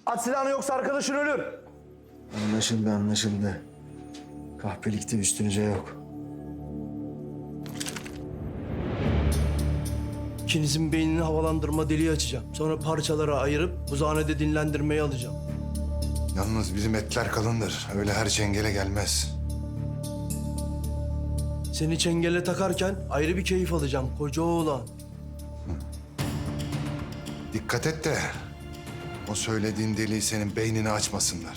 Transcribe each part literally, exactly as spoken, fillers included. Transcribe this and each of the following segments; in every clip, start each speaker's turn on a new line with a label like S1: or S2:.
S1: At silahını yoksa arkadaşın ölür.
S2: Anlaşıldı, anlaşıldı. Kahpelikte üstünüze yok.
S1: İkinizin beynini havalandırma deliği açacağım. Sonra parçalara ayırıp buzhanede dinlendirmeye alacağım.
S3: Yalnız bizim etler kalındır. Öyle her çengele gelmez.
S1: Seni çengele takarken ayrı bir keyif alacağım koca oğlan.
S3: Dikkat et de o söylediğin deliği senin beynini açmasınlar.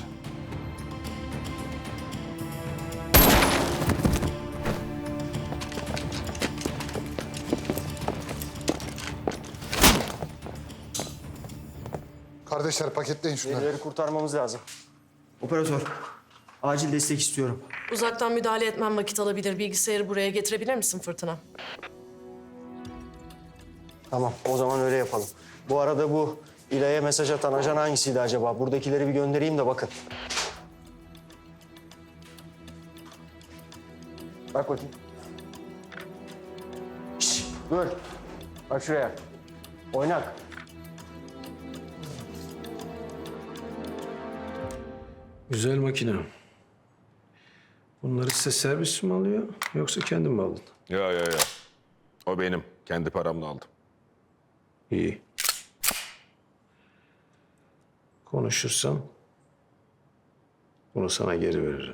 S3: Kardeşler paketleyin şunları.
S2: Birileri kurtarmamız lazım. Operatör, acil destek istiyorum.
S4: Uzaktan müdahale etmem vakit alabilir. Bilgisayarı buraya getirebilir misin Fırtına?
S2: Tamam, o zaman öyle yapalım. Bu arada bu İlay'a mesaj atan ajan hangisiydi acaba? Buradakileri bir göndereyim de bakın. Bak bakayım. Şişt, dur. Bak şuraya. Oynak.
S5: Güzel makine. Bunları size servis mi alıyor yoksa kendin mi aldın?
S6: Ya ya ya. O benim. Kendi paramla aldım.
S5: İyi. Konuşursam bunu sana geri veririm.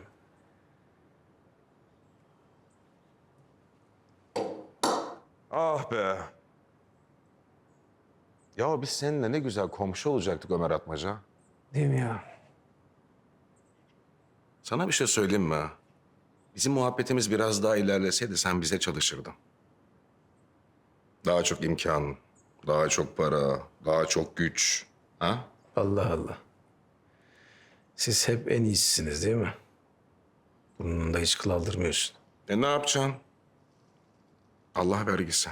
S6: Ah be. Ya biz seninle ne güzel komşu olacaktık Ömer Atmaca.
S5: Değil mi ya?
S6: Sana bir şey söyleyeyim mi? Bizim muhabbetimiz biraz daha ilerleseydi sen bize çalışırdın. Daha çok imkan, daha çok para, daha çok güç. Ha?
S5: Allah Allah. Siz hep en iyisisiniz değil mi? Burnunda hiç kıl aldırmıyorsun.
S6: E ne yapacaksın? Allah vergisi.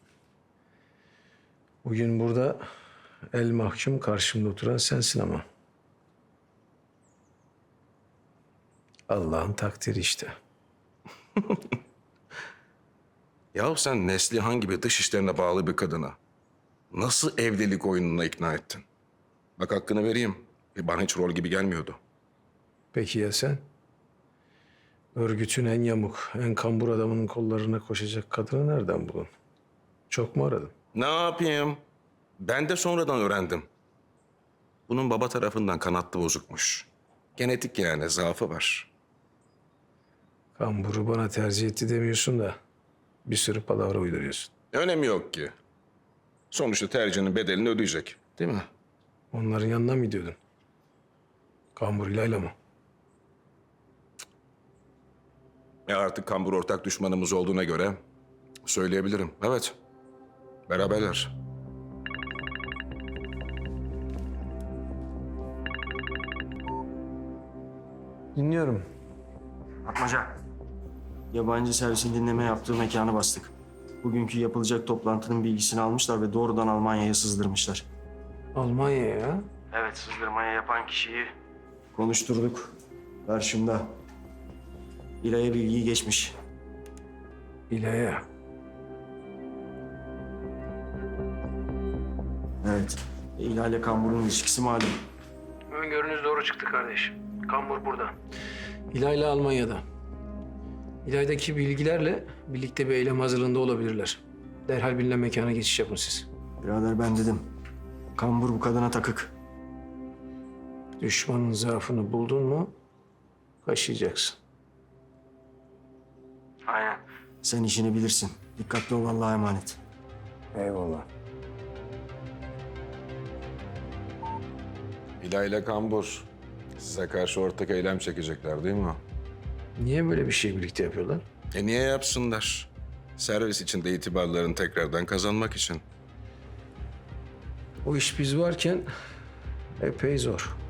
S5: Bugün burada el mahkum karşımda oturan sensin ama. Allah'ın takdiri işte.
S6: Ya sen Neslihan gibi dış işlerine bağlı bir kadına nasıl evlilik oyununa ikna ettin? Bak hakkını vereyim. E, bana hiç rol gibi gelmiyordu.
S5: Peki ya sen? Örgütün en yamuk, en kambur adamının kollarına koşacak kadını nereden buldun? Çok mu aradın?
S6: Ne yapayım? Ben de sonradan öğrendim. Bunun baba tarafından kanatlı bozukmuş. Genetik yani, zaafı var.
S5: Kamburu bana tercih etti demiyorsun da bir sürü palavra uyduruyorsun.
S6: Önemi yok ki. Sonuçta tercihinin bedelini ödeyecek. Değil mi?
S5: Onların yanına mı gidiyordun? Kambur İlayla mı?
S6: E artık kambur ortak düşmanımız olduğuna göre söyleyebilirim. Evet. Beraberler.
S5: Dinliyorum.
S2: Atmaca. Yabancı servisin dinleme yaptığı mekanı bastık. Bugünkü yapılacak toplantının bilgisini almışlar ve doğrudan Almanya'ya sızdırmışlar.
S5: Almanya'ya ya?
S2: Evet, sızdırmaya yapan kişiyi konuşturduk. Karşımda. İlay'a bilgiyi geçmiş.
S5: İlay'a.
S2: Evet. E, İlay ile Kambur'un ilişkisi malum.
S5: Öngörünüz doğru çıktı kardeşim. Kambur burada. İlayla Almanya'da. İlaydaki bilgilerle birlikte bir eylem hazırlığında olabilirler. Derhal bilinen mekana geçiş yapın siz.
S2: Birader ben dedim. Kambur bu kadına takık.
S5: Düşmanın zaafını buldun mu kaşıyacaksın.
S2: Aynen. Sen işini bilirsin. Dikkatli ol, Allah'a emanet.
S5: Eyvallah.
S6: İlay ile kambur size karşı ortak eylem çekecekler değil mi?
S5: Niye böyle bir şey birlikte yapıyorlar?
S6: E niye yapsınlar? Servis içinde itibarlarını tekrardan kazanmak için.
S5: O iş biz varken epey zor.